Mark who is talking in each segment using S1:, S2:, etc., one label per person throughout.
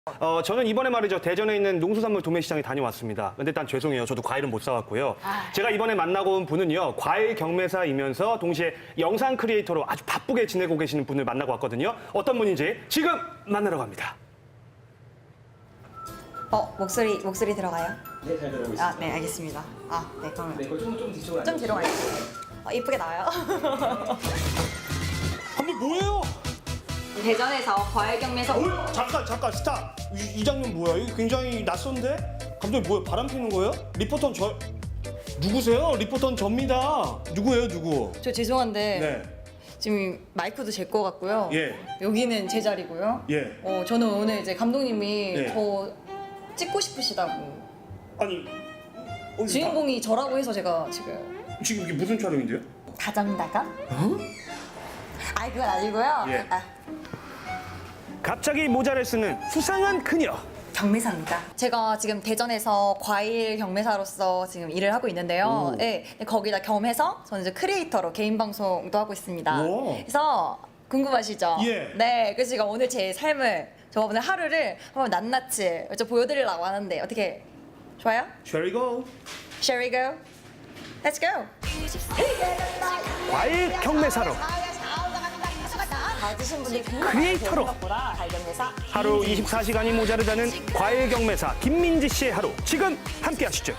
S1: 저는 이번에 말이죠. 대전에 있는 농수산물 도매시장에 다녀왔습니다. 근데 일단 죄송해요. 저도 과일은 못 사왔고요. 제가 이번에 만나고 온 분은요. 과일 경매사이면서 동시에 영상 크리에이터로 아주 바쁘게 지내고 계시는 분을 만나고 왔거든요. 어떤 분인지 지금 만나러 갑니다.
S2: 목소리 들어가요?
S3: 네, 잘 들어오고 있습니다.
S2: 네, 알겠습니다. 네, 그러면
S3: 네, 좀 뒤쪽으로
S2: 좀 뒤로 갈게요. 이쁘게 나와요.
S1: 감독 뭐예요?
S2: 대전에서 과일 경매사
S1: 잠깐 스탑. 이 장면 뭐야? 이거 굉장히 낯선데? 감독님 뭐예요? 바람 피는 거예요? 리포터는 저 누구세요? 리포터는 접니다. 누구예요, 누구?
S2: 저 죄송한데
S1: 네.
S2: 지금 마이크도 제 거 같고요.
S1: 예.
S2: 여기는 제 자리고요.
S1: 예.
S2: 저는 오늘 이제 감독님이
S1: 예.
S2: 저 찍고 싶으시다고
S1: 아니 어디
S2: 주인공이 저라고 해서 제가 지금
S1: 지금 이게 무슨 촬영인데요?
S2: 다정다감? 그건 아니고요.
S1: 예. 갑자기 모자를 쓰는 수상한 그녀.
S2: 경매사입니다. 제가 지금 대전에서 과일 경매사로서 지금 일을 하고 있는데요. 네, 거기다 겸해서 저는 이제 크리에이터로 개인 방송도 하고 있습니다.
S1: 오.
S2: 그래서 궁금하시죠?
S1: 예.
S2: 네, 그래서 제가 오늘 제 삶을 저 오늘 하루를 한번 낱낱이 좀 보여드리려고 하는데 어떻게 좋아요?
S1: Shall we go?
S2: Shall we go? Let's go.
S1: 과일 경매사로
S2: 받으신 분들이
S1: 크리에이터로 하루 24시간이 모자르다는 과일 경매사 김민지 씨의 하루 지금 함께 하시죠.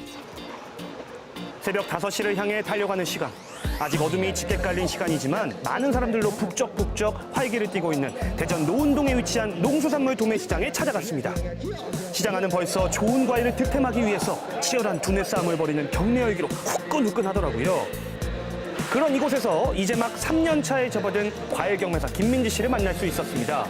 S1: 새벽 5시를 향해 달려가는 시간. 아직 어둠이 짙게 깔린 시간이지만 많은 사람들로 북적북적 활기를 띠고 있는 대전 노은동에 위치한 농수산물 도매시장에 찾아갔습니다. 시장 안은 벌써 좋은 과일을 득템하기 위해서 치열한 두뇌 싸움을 벌이는 경매 열기로 후끈후끈하더라고요. 그런 이곳에서 이제 막 3년 차에 접어든 과일 경매사 김민지 씨를 만날 수 있었습니다.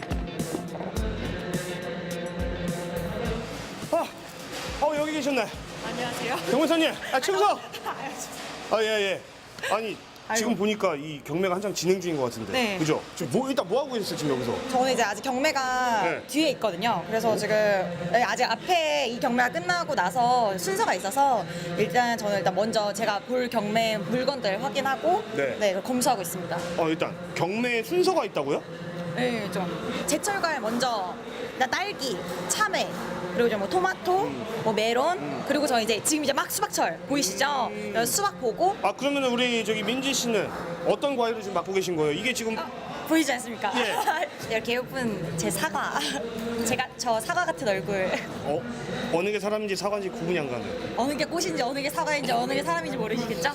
S1: 여기 계셨네.
S4: 안녕하세요.
S1: 경매사님, 충성! 예. 아니, 지금 보니까 이 경매가 한창 진행 중인 것 같은데.
S4: 네.
S1: 그죠? 지금 일단 뭐 하고 계셨어요, 지금 여기서?
S4: 저는 이제 아직 경매가
S1: 네.
S4: 뒤에 있거든요. 그래서 지금 아직 앞에 이 경매가 끝나고 나서 순서가 있어서 일단 저는 먼저 제가 볼 경매 물건들 확인하고
S1: 네.
S4: 검수하고 있습니다.
S1: 일단 경매 순서가 있다고요?
S4: 네, 좀 제철 과일 먼저 일단 딸기, 참외, 그리고 이제 뭐 토마토, 뭐 메론, 그리고 저 이제 지금 이제 막 수박철 보이시죠? 수박 보고
S1: 그러면 우리 저기 민지 씨는 어떤 과일을 지금 맡고 계신 거예요? 이게 지금
S4: 보이지 않습니까?
S1: 예.
S4: 이렇게 예쁜 제 사과. 제가 저 사과 같은 얼굴.
S1: 어느 게 사람인지 사과인지 구분이 안 가네요.
S4: 어느 게 꽃인지 어느 게 사과인지 어느 게 사람인지 모르시겠죠?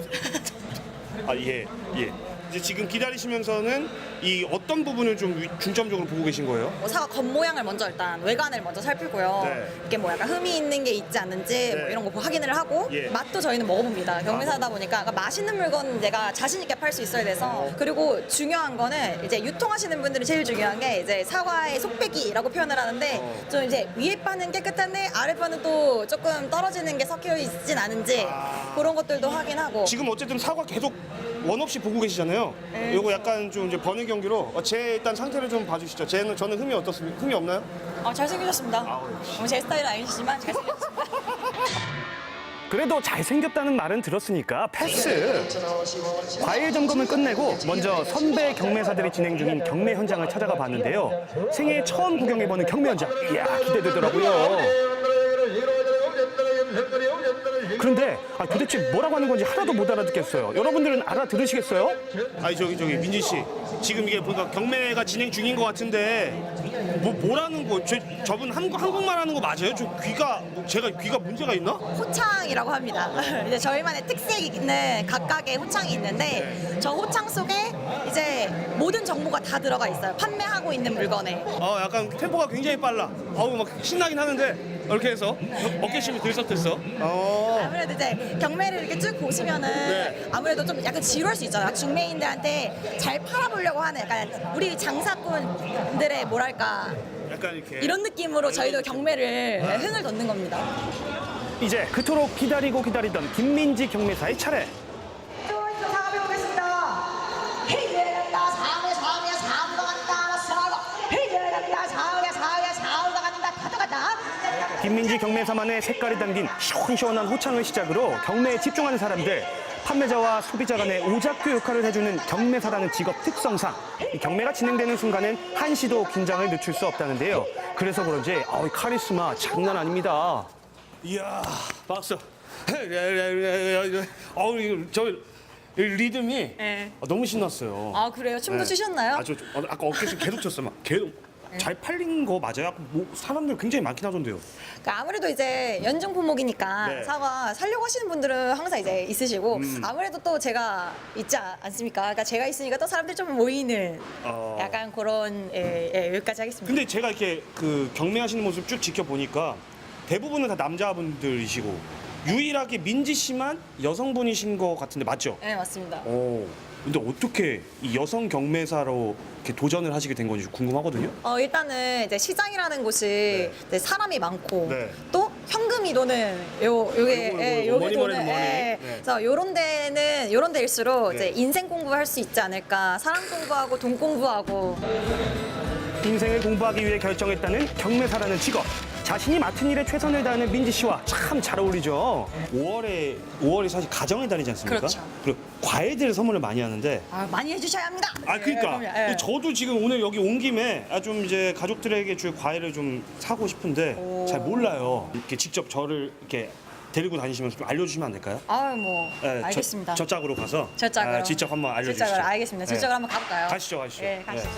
S1: 예. 이제 지금 기다리시면서는 이 어떤 부분을 좀 중점적으로 보고 계신 거예요?
S4: 사과 겉모양을 먼저 일단 외관을 먼저 살피고요.
S1: 네.
S4: 이게 뭐 약간 흠이 있는 게 있지 않는지 뭐
S1: 네.
S4: 이런 거 확인을 하고
S1: 예.
S4: 맛도 저희는 먹어봅니다. 경매사다 보니까 그러니까 맛있는 물건 내가 자신 있게 팔 수 있어야 돼서 그리고 중요한 거는 이제 유통하시는 분들이 제일 중요한 게 이제 사과의 속배기라고 표현을 하는데 좀 이제 위에 바는 깨끗한데 아래 바는 또 조금 떨어지는 게 섞여 있진 않은지 그런 것들도 확인하고
S1: 지금 어쨌든 사과 계속 원 없이 보고 계시잖아요.
S4: 네.
S1: 요거 약간 좀 이제 버는 경기로 제 일단 상태를 좀 봐주시죠. 저는 흠이 어떻습니까? 흠이 없나요?
S4: 잘생기셨습니다. 제 스타일은 아니시지만 잘생기셨습니다.
S1: 그래도 잘생겼다는 말은 들었으니까 패스. 과일 점검을 끝내고 먼저 선배 경매사들이 진행 중인 경매 현장을 찾아가 봤는데요. 생애 처음 구경해보는 경매 현장. 이야, 기대되더라고요. 그런데 도대체 뭐라고 하는 건지 하나도 못 알아듣겠어요. 여러분들은 알아들으시겠어요? 저기 민지 씨, 지금 이게 보니까 경매가 진행 중인 것 같은데 뭐라는 거? 저분 한국말 하는 거 맞아요? 제가 귀가 문제가 있나?
S4: 호창이라고 합니다. 이제 저희만의 특색 있는 각각의 호창이 있는데 저 호창 속에 이제 모든 정보가 다 들어가 있어요. 판매하고 있는 물건에.
S1: 약간 템포가 굉장히 빨라. 막 신나긴 하는데 이렇게 해서 어깨심이 들썩들썩.
S4: 아무래도 이제 경매를 이렇게 쭉 보시면은
S1: 네.
S4: 아무래도 좀 약간 지루할 수 있잖아요. 중매인들한테 잘 팔아보려고 하는 약간 우리 장사꾼들의 뭐랄까
S1: 약간 이렇게.
S4: 이런 느낌으로 저희도 경매를 흥을 돋는 겁니다.
S1: 이제 그토록 기다리던 김민지 경매사의 차례. 김민지 경매사만의 색깔이 담긴 시원시원한 호창을 시작으로 경매에 집중하는 사람들. 판매자와 소비자 간의 오작교 역할을 해주는 경매사라는 직업 특성상 이 경매가 진행되는 순간엔 한시도 긴장을 늦출 수 없다는데요. 그래서 그런지 이 카리스마 장난 아닙니다. 이야, 박수. 저 리듬이
S4: 네.
S1: 너무 신났어요.
S4: 아 그래요? 춤도 추셨나요?
S1: 아까 어깨에서 계속 췄어요. 막 계속 잘 팔린 거 맞아요? 사람들 굉장히 많긴 하던데요.
S4: 그러니까 아무래도 이제 연중 품목이니까
S1: 네.
S4: 사과 살려고 하시는 분들은 항상 이제 있으시고 아무래도 또 제가 있지 않습니까? 그러니까 제가 있으니까 또 사람들이 좀 모이는 약간 그런 여기까지 하겠습니다.
S1: 근데 제가 이렇게 그 경매하시는 모습 쭉 지켜보니까 대부분은 다 남자분들이시고 유일하게 민지 씨만 여성분이신 것 같은데 맞죠?
S4: 네 맞습니다.
S1: 근데 어떻게 이 여성 경매사로 이렇게 도전을 하시게 된 건지 궁금하거든요.
S4: 일단은 이제 시장이라는 곳이 이제 사람이 많고
S1: 네.
S4: 또 현금이 도는 요게
S1: 요거,
S4: 요게
S1: 머니, 머니,
S4: 도는
S1: 머니. 네.
S4: 그래서 요런 데일수록
S1: 네.
S4: 이제 인생 공부할 수 있지 않을까. 사람 공부하고 돈 공부하고
S1: 인생을 공부하기 위해 결정했다는 경매사라는 직업. 자신이 맡은 일에 최선을 다하는 민지 씨와 참 잘 어울리죠. 5월이 사실 가정의 달이지 않습니까?
S4: 그렇죠.
S1: 그리고 과일들 선물을 많이 하는데
S4: 많이 해주셔야 합니다.
S1: 그러니까
S4: 그럼요.
S1: 저도 지금 오늘 여기 온 김에 좀 이제 가족들에게 줄 과일을 좀 사고 싶은데 잘 몰라요. 이렇게 직접 저를 이렇게 데리고 다니시면서 좀 알려주시면 안 될까요?
S4: 뭐
S1: 네,
S4: 알겠습니다.
S1: 저 짝으로 가서
S4: 저짝으로
S1: 직접 한번 알려주시죠.
S4: 저짝으로 알겠습니다.
S1: 네.
S4: 저짝으로 한번 가볼까요?
S1: 가시죠.
S4: 네, 가시죠.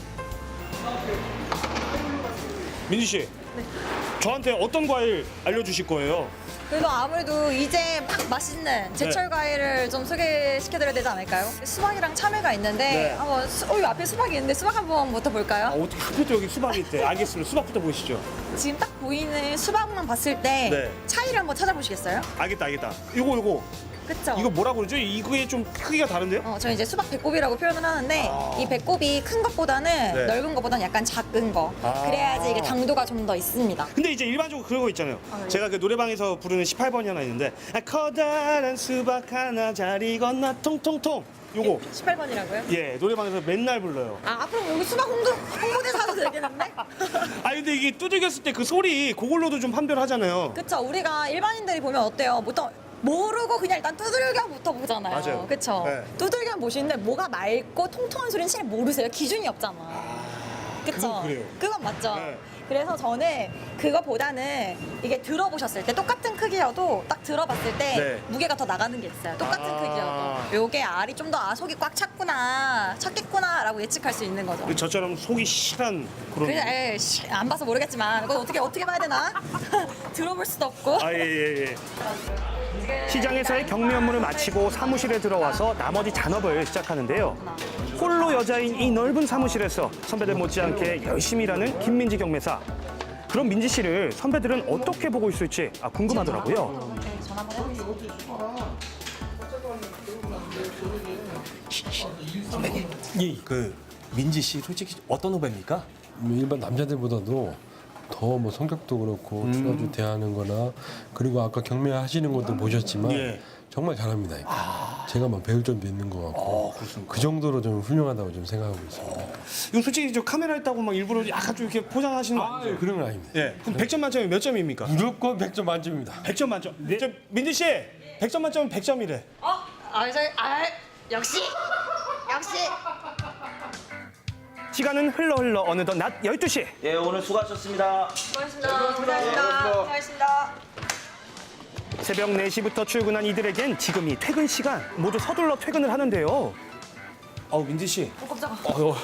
S1: 민지 씨, 저한테 어떤 과일 알려주실 거예요?
S4: 그래도 아무래도 이제 막 맛있는 제철 과일을 좀 소개시켜드려야 되지 않을까요? 수박이랑 참외가 있는데
S1: 네.
S4: 한번 여기 앞에 수박이 있는데 수박 한번부터 볼까요?
S1: 어떻게 하필 또 여기 수박이 있대? 알겠습니다. 수박부터 보시죠.
S4: 지금 딱 보이는 수박만 봤을 때
S1: 네.
S4: 차이를 한번 찾아보시겠어요?
S1: 알겠다. 요거.
S4: 그쵸?
S1: 이거 뭐라고 그러죠? 이거에 좀 크기가 다른데요?
S4: 저는 이제 수박 배꼽이라고 표현을 하는데 이 배꼽이 큰 것보다는
S1: 네.
S4: 넓은 것보다는 약간 작은 거 그래야지 이게 당도가 좀 더 있습니다.
S1: 근데 이제 일반적으로 그런 거 있잖아요.
S4: 그래요?
S1: 제가 그 노래방에서 부르는 18번이 하나 있는데 커다란 수박 하나 잘 익었나 통통통 요거
S4: 18번이라고요?
S1: 예 노래방에서 맨날 불러요.
S4: 앞으로 여기 수박 홍보대사 하도 되겠는데?
S1: 근데 이게 두들겼을 때 그 소리 그걸로도 좀 판별하잖아요.
S4: 그쵸. 우리가 일반인들이 보면 어때요? 보통 모르고 그냥 일단 두들겨부터 보잖아요.
S1: 맞아요.
S4: 그쵸?
S1: 네.
S4: 두들겨 보시는데 뭐가 맑고 통통한 소리는 잘 모르세요. 기준이 없잖아. 그쵸?
S1: 그건 그래요.
S4: 그건 맞죠.
S1: 네.
S4: 그래서 저는 그거보다는 이게 들어보셨을 때 똑같은 크기여도 딱 들어봤을 때
S1: 네.
S4: 무게가 더 나가는 게 있어요. 똑같은
S1: 아.
S4: 크기여도. 요게 알이 좀 더 속이 꽉 찼겠구나 라고 예측할 수 있는 거죠.
S1: 저처럼 속이 실한 그런.
S4: 그냥 안 봐서 모르겠지만 이거 어떻게 봐야 되나? 들어볼 수도 없고.
S1: 예. 시장에서의 경매 업무를 마치고 사무실에 들어와서 나머지 잔업을 시작하는데요. 홀로 여자인 이 넓은 사무실에서 선배들 못지않게 열심히 일하는 김민지 경매사. 그럼 민지 씨를 선배들은 어떻게 보고 있을지 궁금하더라고요. 그 민지 씨 솔직히 어떤 후배입니까?
S3: 일반 남자들보다도 더 뭐 성격도 그렇고 주로 대하는 거나 그리고 아까 경매하시는 것도 보셨지만
S1: 예.
S3: 정말 잘합니다. 제가 막 배울 점도 있는 것 같고 그 정도로 좀 훌륭하다고 좀 생각하고 있습니다.
S1: 이거 솔직히 저 카메라 있다고 막 일부러 약간 좀 이렇게 포장하시는 거 아니죠?
S3: 그런 건 아닙니다.
S1: 예. 그럼 100점 만점에 몇 점입니까?
S3: 무조건 100점 만점입니다.
S1: 100점 만점. 저 민지 씨 100점 만점은 100점이래.
S4: 역시.
S1: 시간은 흘러 어느덧 낮 12시.
S5: 예, 오늘 수고하셨습니다.
S4: 수고하셨습니다.
S1: 새벽 4시부터 출근한 이들에겐 지금이 퇴근 시간. 모두 서둘러 퇴근을 하는데요. 민지 씨.
S4: 깜짝아.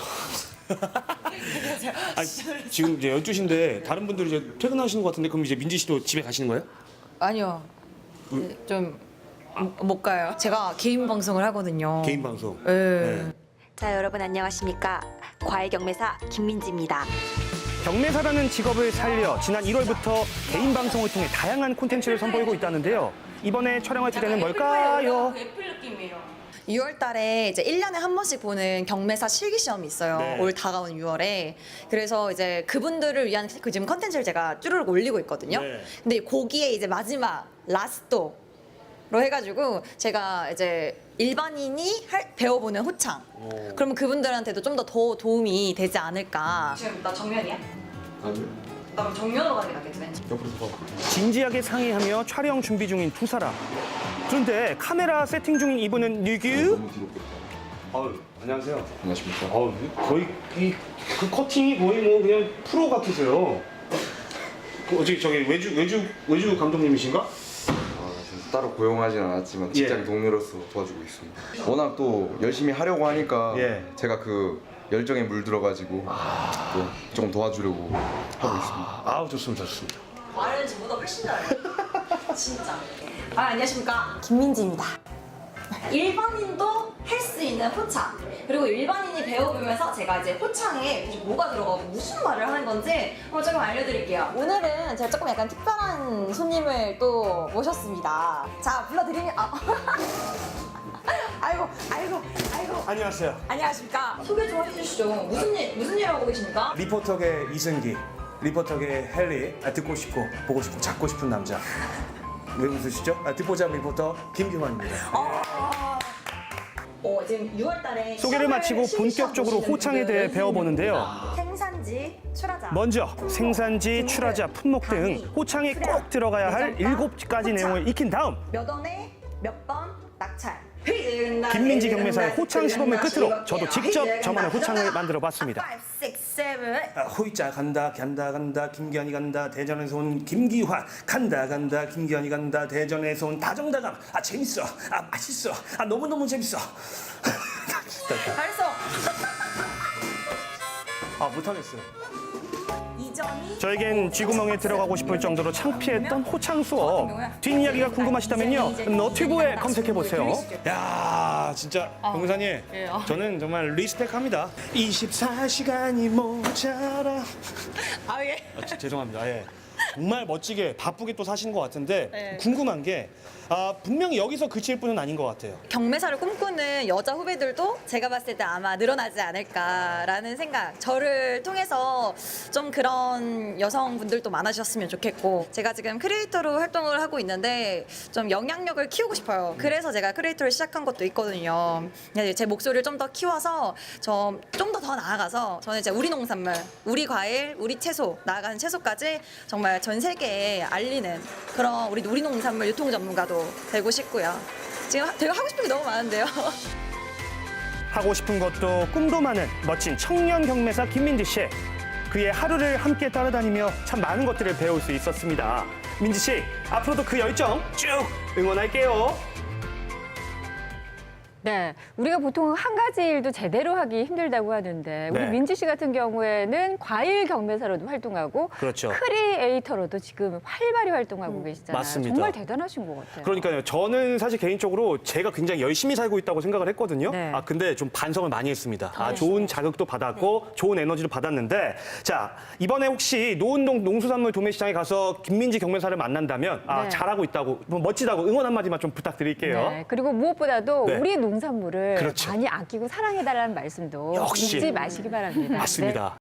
S1: 지금 이제 12시인데 다른 분들이 이제 퇴근하시는 것 같은데 그럼 이제 민지 씨도 집에 가시는 거예요?
S2: 아니요. 좀 못 가요. 제가 개인 방송을 하거든요.
S1: 개인 방송.
S2: 네.
S6: 자, 여러분 안녕하십니까? 과일 경매사 김민지입니다.
S1: 경매사라는 직업을 살려 지난 1월부터 개인 방송을 통해 다양한 콘텐츠를 선보이고 있다는데요. 이번에 촬영할 주제는 뭘까요?
S2: 6월 달에 이제 1년에 한 번씩 보는 경매사 실기 시험이 있어요.
S1: 네.
S2: 올 다가오는 6월에. 그래서 이제 그분들을 위한 그 지금 컨텐츠를 제가 쭈르륵 올리고 있거든요.
S1: 네.
S2: 근데 거기에 이제 마지막 라스토로 해가지고 제가 이제 일반인이 배워보는 호창. 그러면 그분들한테도 좀 더 도움이 되지 않을까. 지금 나 정면이야? 그럼 정면으로 가는 게 낫겠지, 왠지.
S1: 진지하게 상의하며 촬영 준비 중인 두 사람. 그런데 카메라 세팅 중인 이분은 누구? 안녕하세요.
S5: 안녕하십니까.
S1: 거의 그 커팅이 거의 뭐 그냥 프로 같으세요. 어떻게 저기 외주 감독님이신가?
S5: 지금 따로 고용하진 않았지만 직장 동료로서 도와주고 있습니다. 워낙 또 열심히 하려고 하니까
S1: 예.
S5: 제가 그 열정에 물들어가지고 또 조금 도와주려고 하고 있습니다.
S1: 아우 좋습니다.
S4: 말은 저보다 훨씬 잘해요. 진짜. 안녕하십니까. 김민지입니다. 일반인도 할 수 있는 호창. 그리고 일반인이 배워보면서 제가 이제 호창에 뭐가 들어가고 무슨 말을 하는 건지 조금 알려드릴게요. 오늘은 제가 조금 약간 특별한 손님을 또 모셨습니다. 자, 불러드리면 아이고.
S1: 안녕하세요.
S4: 안녕하십니까. 소개 좀 해주시죠. 무슨 일 하고 계십니까?
S1: 리포터계 이승기, 리포터계 헨리. 듣고 싶고 보고 싶고 잡고 싶은 남자. 왜 웃으시죠? 듣보잡 리포터 김규환입니다.
S4: 지금 6월달에
S1: 소개를 마치고 본격적으로 호창에 대해 배워보는데요.
S4: 생산지, 출하자.
S1: 먼저 생산지, 출하자, 품목 등 호창에 꼭 들어가야 할 7가지 내용을 익힌 다음
S4: 몇 원에 몇 번 낙찰.
S1: 김민지 경매사의 호창 시범을 끝으로 저도 직접 저만의 호창을 만들어봤습니다.
S4: 5, 6, 7.
S1: 호이자 간다 김기환이 간다 대전에서 온 김기환 간다 김기환이 간다 대전에서 온 다정다감. 재밌어, 맛있어, 너무너무 재밌어.
S4: 잘했어.
S1: 못하겠어요.
S4: 이전이
S1: 저에겐 쥐구멍에 들어가고 싶을 정도로 창피했던 호창 수업. 뒷이야기가 궁금하시다면요, 너튜브에 검색해보세요. 야, 진짜 경사님, 저는 정말 리스펙합니다. 24시간이 모자라.
S4: 예.
S1: 죄송합니다. 정말 멋지게 바쁘게 또 사신 것 같은데 궁금한 게 분명히 여기서 그칠 분은 아닌 것 같아요.
S4: 경매사를 꿈꾸는 여자 후배들도 제가 봤을 때 아마 늘어나지 않을까라는 생각. 저를 통해서 좀 그런 여성분들도 많아지셨으면 좋겠고, 제가 지금 크리에이터로 활동을 하고 있는데 좀 영향력을 키우고 싶어요. 그래서 제가 크리에이터를 시작한 것도 있거든요. 제 목소리를 좀 더 키워서 좀 더 나아가서 저는 이제 우리 농산물, 우리 과일, 우리 채소, 나아가는 채소까지 정말 전 세계에 알리는 그런 우리 농산물 유통 전문가도 되고 싶고요. 지금 되게 하고 싶은 게 너무 많은데요.
S1: 하고 싶은 것도 꿈도 많은 멋진 청년 경매사 김민지 씨. 그의 하루를 함께 따라다니며 참 많은 것들을 배울 수 있었습니다. 민지 씨, 앞으로도 그 열정 쭉 응원할게요.
S7: 네, 우리가 보통 한 가지 일도 제대로 하기 힘들다고 하는데 우리
S1: 네.
S7: 민지 씨 같은 경우에는 과일 경매사로도 활동하고
S1: 그렇죠.
S7: 크리에이터로도 지금 활발히 활동하고 계시잖아요.
S1: 맞습니다.
S7: 정말 대단하신 것 같아요.
S1: 그러니까요. 저는 사실 개인적으로 제가 굉장히 열심히 살고 있다고 생각을 했거든요.
S7: 네.
S1: 근데 좀 반성을 많이 했습니다. 좋은 자극도 받았고 좋은 에너지도 받았는데, 자, 이번에 혹시 노은동 농수산물 도매시장에 가서 김민지 경매사를 만난다면
S7: 네.
S1: 잘하고 있다고, 멋지다고 응원 한마디만 좀 부탁드릴게요.
S7: 네, 그리고 무엇보다도
S1: 네.
S7: 우리 농산물을
S1: 그렇죠.
S7: 많이 아끼고 사랑해달라는 말씀도
S1: 역시.
S7: 잊지 마시기 바랍니다.
S1: 맞습니다.
S7: 네.